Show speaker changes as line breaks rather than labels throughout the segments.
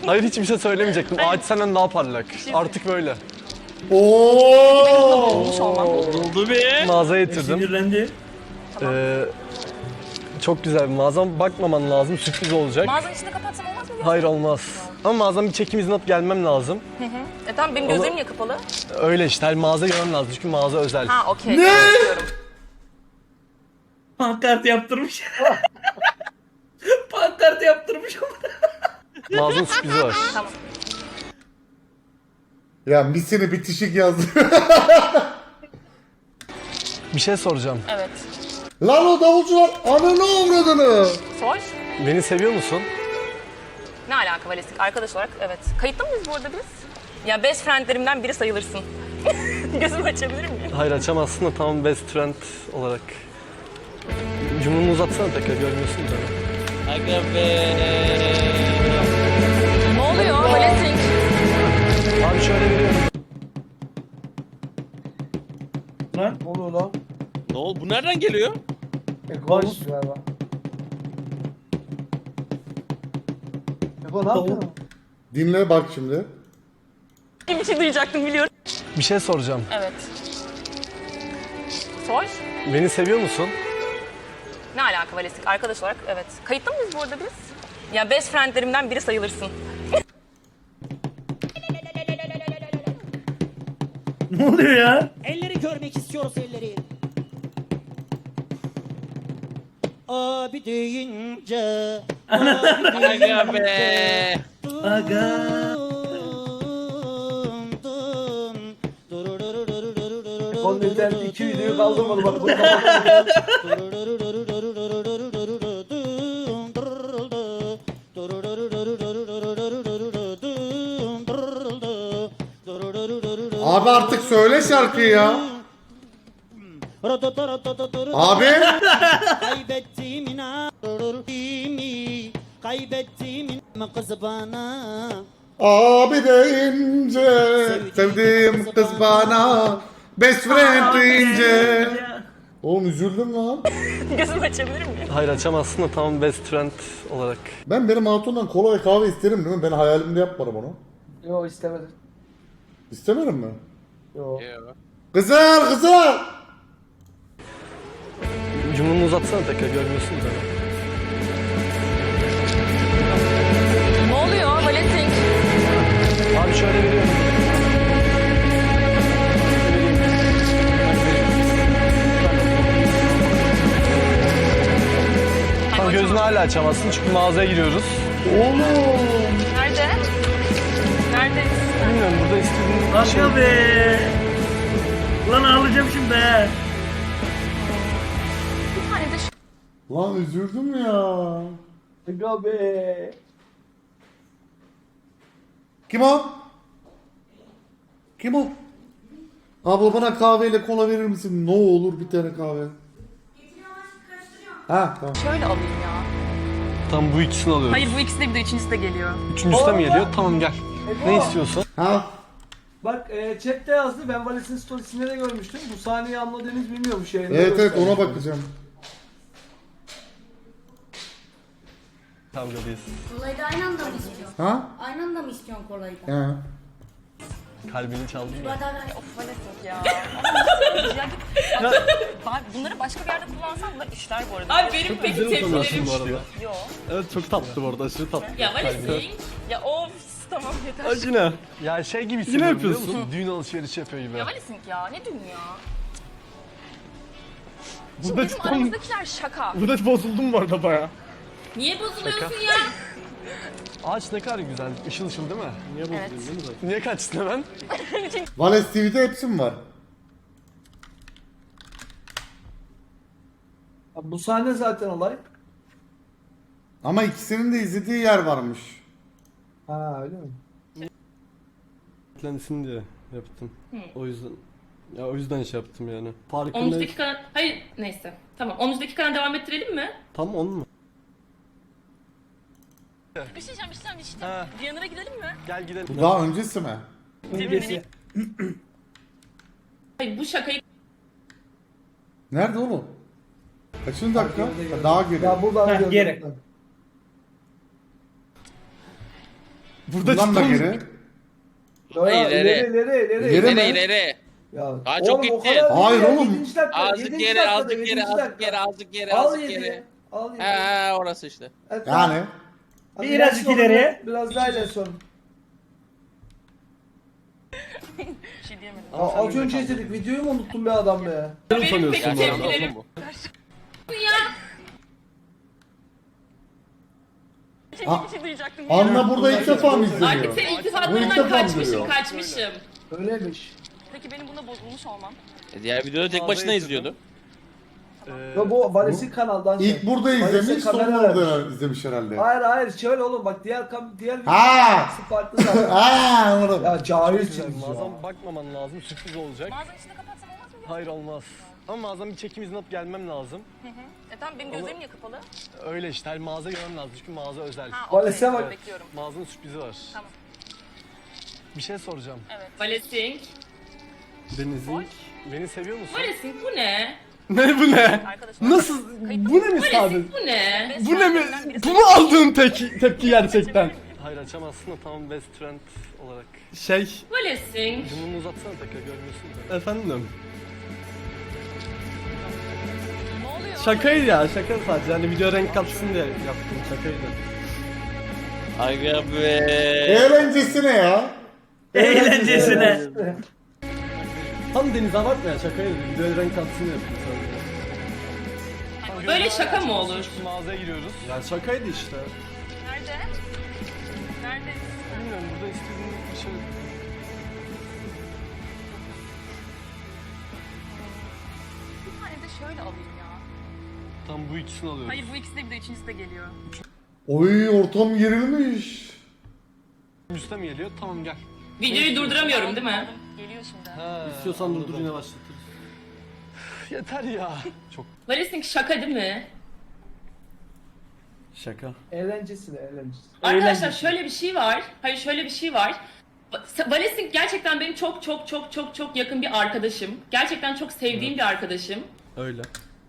Hayır, hiçbir şey söylemeyecektim. Ağaç senden daha parlak. Artık böyle.
Oo!
Olmuş olmam.
Oldu be.
Mağazaya getirdim.
Sinirlendi.
Çok güzel bir mağazam. Bakmaman lazım. Sürpriz olacak.
Mağazanın içinde kapatsam olmaz mı?
Hayır, olmaz. Ama mağazam bir çekim izni alıp gelmem lazım.
Tamam, benim gözlerim niye kapalı?
Öyle işte. Her mağaza görmem lazım. Çünkü mağaza özel.
Ha, okey.
Ne?
Pankart yaptırmış. Pankart yaptırmış.
Mağazanın sürprizi var.
Tamam.
Ya misini bitişik yazdı.
Bir şey soracağım.
Evet.
Lan o davulcular ananı avradını.
Sor.
Beni seviyor musun?
Ne alaka Valestik? Arkadaş olarak evet. Kayıtlı mıyız bu arada biz? Ya best friendlerimden biri sayılırsın. Gözümü açabilir miyim?
Hayır, açamazsın da tamam, best friend olarak. Cumhurunu uzatsana tekrar, görmüyorsun da.
Aga be.
Ne oluyor Valestik?
Abi şöyle veriyorum.
Lan.
Ne oluyor lan?
Ne oldu? Bu nereden geliyor?
Ekvanus galiba. Eko ne yapıyorsun?
Dinle bak şimdi.
Bir şey duyacaktım biliyorum.
Bir şey soracağım.
Evet. Sor.
Beni seviyor musun?
Ne alaka Valestik? Arkadaş olarak evet. Kayıtlı mıyız bu arada biz? Ya best friendlerimden biri sayılırsın.
Ne oluyor ya?
Elleri görmek istiyoruz elleri. Abi deyince
Aga be. Aga.
Onun internet 2 videoyu kaldırmadı bak.
Abi artık söyle şarkıyı ya. Abi.
Kaybettiğim kaybettiğim kız bana.
Abi deyince sevdiğim kız bana best friend deyince. Oğlum üzüldüm lan.
Gözümü açabilir miyim?
Hayır, açamazsın da tamam, best friend olarak.
Ben benim hatundan kola ve kahve isterim değil mi? Ben hayalimde yapmadım onu.
Yo istemedim.
İstemedim mi?
Yo.
Kızlar kızlar.
Cumhurunu uzatsana tekrar, görmüyorsun da.
Ne oluyor Valestik?
Abi şöyle veriyorum. Tamam, gözünü hala açamazsın çünkü mağazaya giriyoruz.
Oğlum.
Nerede? Neredeyiz?
Bilmiyorum, burada istediğin şey...
Aga be. Lan ağlayacağım şimdi he.
Bir tane de
Lan üzüldüm ya.
Eko be.
Kim o? Kim o? Abla bana kahveyle kola verir misin? Ne olur bir tane kahve. Ha tamam.
şöyle alayım ya.
Tamam, bu ikisini alıyoruz.
Hayır, bu ikisi de bir de üçüncüsü de geliyor.
Üçüncüsü de mi geliyor? Tamam, gel. Ne istiyorsun?
Ha?
Bak chatte yazdı, ben Vales'in storiesinde de görmüştüm. Bu sahneyi anladığınız bilmiyormuş yayında.
Evet evet
göstermiş.
ona bakacağım.
Kavgadayız.
Kolayı da aynı anda mı istiyorsun?
Ha?
Aynı anda mı istiyorsun kolayı da?
He.
Kalbini çaldın mı?
Of Valestik ya. Bak, bunları başka bir yerde kullansam da işler bu arada.
Abi benim peki tepkilerim
bu arada.
Yok.
Evet, çok tatlı bu arada, aşırı tatlı.
ya Valestik.
Ya of, tamam yeter.
Acına. Ya şey gibi hissediyorum,
Yine
biliyor
yapıyorsun.
musun? Düğün alışverişi yapıyor gibi.
Ya Valestik ya, ne dün ya?
Bu
Şimdi
da
bizim
tam...
aramızdakiler şaka.
Bu da bozuldum bu arada baya.
Niye bozuluyorsun ya?
Ağaç ne kadar güzel, ışıl ışıl değil mi? Niye bozuldun
Evet.
değil mi zaten? Niye kaçtın hemen?
Vales TV'de hepsi mi var?
Bu sahne zaten olay.
Ama ikisinin de izlediği yer varmış.
Ha öyle mi?
Beklensin diye yaptım. O yüzden... Ya o yüzden şey yaptım yani. Farkında...
13 dakika... Hayır neyse. Tamam 13 dakika devam ettirelim mi?
Tam 10 mu?
Bir şey diyeceğim.
Ha.
Diyanara gidelim mi?
Gel gidelim.
Bu daha öncesi mi?
Öncesi.
Hayır bu şakayı...
Nerede oğlum? Kaçıncı dakika? Ha, daha geri.
Ya buradan
Heh,
gördüm.
geri.
Bundan da geri.
Ya,
İleri.
ileri.
İleri mi?
İleri.
Ya,
Aa, çok
oğlum, o
gitti.
kadar değil
Hayır
ya,
oğlum.
7. dakika,
Azıcık
7.
geri,
dakikada,
azıcık
7.
geri, azıcık
dakika.
geri, azıcık geri,
Al
azıcık
7.
geri.
Al 7.
He orası işte.
Yani.
Birazcık ileriye.
Biraz daha ileri son.
Bir şey diyemedim.
Az önce izledik. Videoyu mu unuttun be adam be?
Benim
sanıyorsun
pek
bu arada?
tepkilerim
Bu.
Bir şey duyacaktım.
Anla burada ilk defa mı
Artık
izleniyor?
senin
Bu ilk
iltifatlarından
defa mı
kaçmışım,
görüyor?
kaçmışım.
Öyleymiş.
Peki benim bunda bozulmuş olmam.
Diğer videoda tek başına izliyordu.
Ya bu Vales'in kanaldan şey.
İlk burada
Vales'e
izlemiş, sonra
kamera
orada
vermiş.
izlemiş herhalde.
Hayır şöyle oğlum bak diğer
Ha!
farklı zaten.
Aaa anladım.
Ya cahilsiniz ya.
Mağazam bakmaman lazım, sürpriz olacak.
Mağazanın içinde kapatsam olmaz mı?
Hayır olmaz. Ama mağazam bir çekim izni alıp gelmem lazım.
Tamam benim gözlerim niye kapalı?
Öyle işte, her mağaza görmem lazım çünkü mağaza özel.
Ha,
Vales'e
okey,
bak.
bekliyorum.
Mağazanın sürprizi var.
Tamam.
Bir şey soracağım.
Valesing.
Deniz'in, beni seviyor musun?
Valesing bu ne?
Ne bu ne?
Arkadaşlar.
Nasıl? Bu ne mi sadece?
Valesing bu ne?
Bu ne mi? Bu mu aldığın tepki gerçekten? Hayır açamazsın da tamam best friend olarak. Şey,
Valesing.
cümleni uzatsana tekrar görmüyorsun da. Efendim?
Ne oluyor?
Şakaydı ya, şaka sadece. Hani video renk katsın diye yaptım, şakaydı.
Aga be.
Eğlencesine ya.
Eğlencesine.
Tam Deniz abartma ya, şakaydı. Video renk katsın diye yaptım sadece.
Böyle şaka mı olur?
Şimdi mağazaya giriyoruz. Ya şakaydı işte.
Nerede? Nerede?
Bilmiyorum, burada istediğin bir şey...
Bir tane de şöyle alayım ya.
Tam bu ikisini alıyoruz.
Hayır bu ikisi de bir de üçüncüsü de geliyor.
Oy ortam gerilmiş.
Üste mi geliyor? Tamam gel.
Videoyu durduramıyorum değil mi?
Geliyor şimdi.
İstiyorsan durdur yine başlatırız. Yeter ya. Çok
Valesing şaka değil mi?
şaka.
Eğlencesine.
Arkadaşlar şöyle bir şey var. Hayır şöyle bir şey var. Valesing gerçekten benim çok yakın bir arkadaşım. Gerçekten çok sevdiğim bir arkadaşım.
Öyle.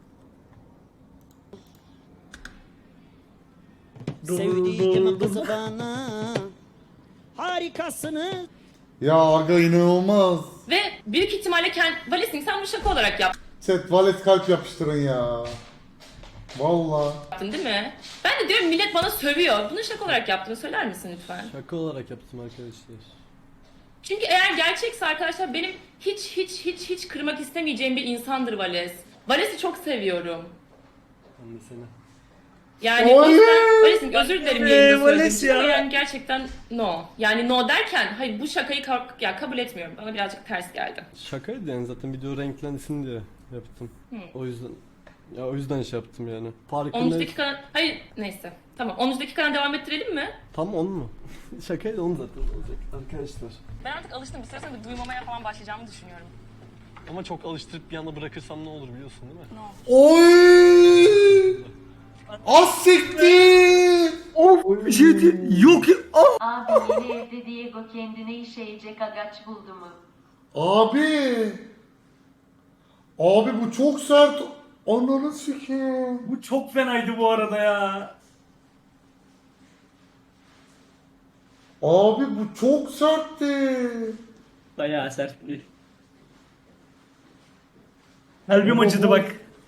Sevdiğim kızı bana. Harikasınız.
Ya aga inanılmaz.
Ve büyük ihtimalle Valesing sen bunu şaka olarak
Chat valet kalp yapıştırın ya. Valla.
yaptın değil mi? Ben de diyorum millet bana sövüyor. Bunu şaka olarak yaptığını söyler misin lütfen?
Şaka olarak yaptım arkadaşlar.
Çünkü eğer gerçekse arkadaşlar benim hiç kırmak istemeyeceğim bir insandır Vales. Vales'i çok seviyorum.
Ben de seni.
Yani o yüzden Vales'in özür dilerim yayında
Vales
söylediğim için
ya.
ama yani gerçekten no. Yani no derken hayır bu şakayı kabul etmiyorum. Bana birazcık ters geldi.
Şakaydı yani zaten video renklensin diye yaptım. O yüzden şey yaptım yani.
10.
Farkında.
dakikadan hayır neyse. Tamam 10. dakikadan devam ettirelim mi?
Tam 10 mu? Şakaydı 10 zaten olacak arkadaşlar.
Ben artık alıştım. Bir süre sonra bir duymamaya falan başlayacağımı düşünüyorum.
Ama çok alıştırıp bir anda bırakırsam ne olur biliyorsun değil mi?
Oy! Az siktir!
Bir şey değil. Yok ya.
Abi yeni evde Diego kendine işeyecek agaç buldu mu?
Abi! Abi bu çok sert. Ananı sikeyim.
Bu çok fenaydı bu arada ya.
Abi bu çok sertti.
Bayağı sert bir. Kalbim acıdı bak.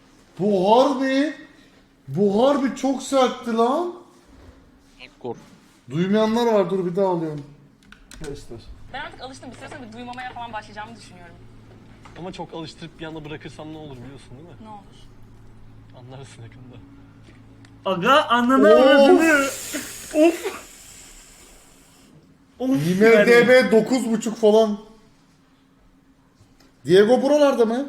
Bu harbi çok sertti lan.
Kor.
Duymayanlar var, dur bir daha alıyorum.
Arkadaşlar.
Ben artık alıştım. Bir süre sonra bir duymamaya falan başlayacağımı düşünüyorum.
Ama çok alıştırıp bir anda bırakırsam ne olur biliyorsun değil mi?
Ne olur.
Anlarsın yakında.
Aga ananı avradını. Of.
IMDB 9.5 falan. Diego buralarda mı?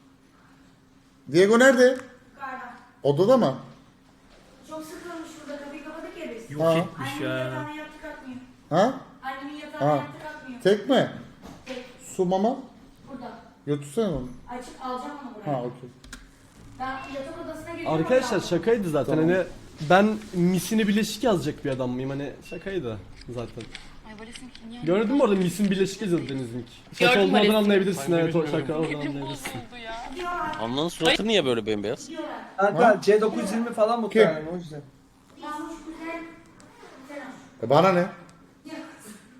Diego nerede?
Yukarıda.
Odada mı?
Çok sıkılmış şurada kapıyı kapadık ya biz.
Yok etmiş
Annemin
ya.
yatağına yattı kalkmıyor.
Ha?
Annemin yatağına
Ha.
yattı kalkmıyor.
Tek mi?
Tek.
Su mama?
Burada.
Götürsene onu.
Açıp alacağım onu buraya.
Ha okey.
Ben yatak odasına geliyorum.
Arkadaşlar
oradan.
şakaydı zaten
Tamam.
hani ben misini bileşik yazacak bir adam mıyım hani şakaydı zaten.
Ay Vales'in niye?
Gördün mü orada misin bileşik yazıyordu Deniz'in. Şaka
Gördüm
olmadan
Vales'in.
anlayabilirsin Ben de evet o bilmiyorum. şaka oradan
Elim
anlayabilirsin.
bozuldu ya.
Diyorlar.
Anlanın suratı niye böyle bembeyaz?
Diyorlar.
Kanka C920 falan mı
Kim?
yani o yüzden.
Yazmış güzel. Güzel olmuş.
Bana ne?
Ya.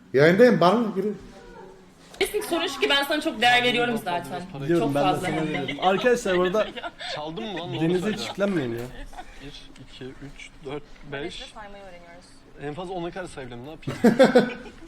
Yayındayım bana mı biri?
Valesing sorun şu ki ben sana çok değer veriyorum zaten.
Biliyorum
Çok
ben de
fazla
sana
hem de.
veriyorum. Arkadaşlar burada
Çaldın mı lan?
denize hiç yüklenmeyin ya. 1, 2, 3, 4, 5.
Saymayı öğreniyoruz.
En fazla 10'a kadar sayabilirim ne yapayım?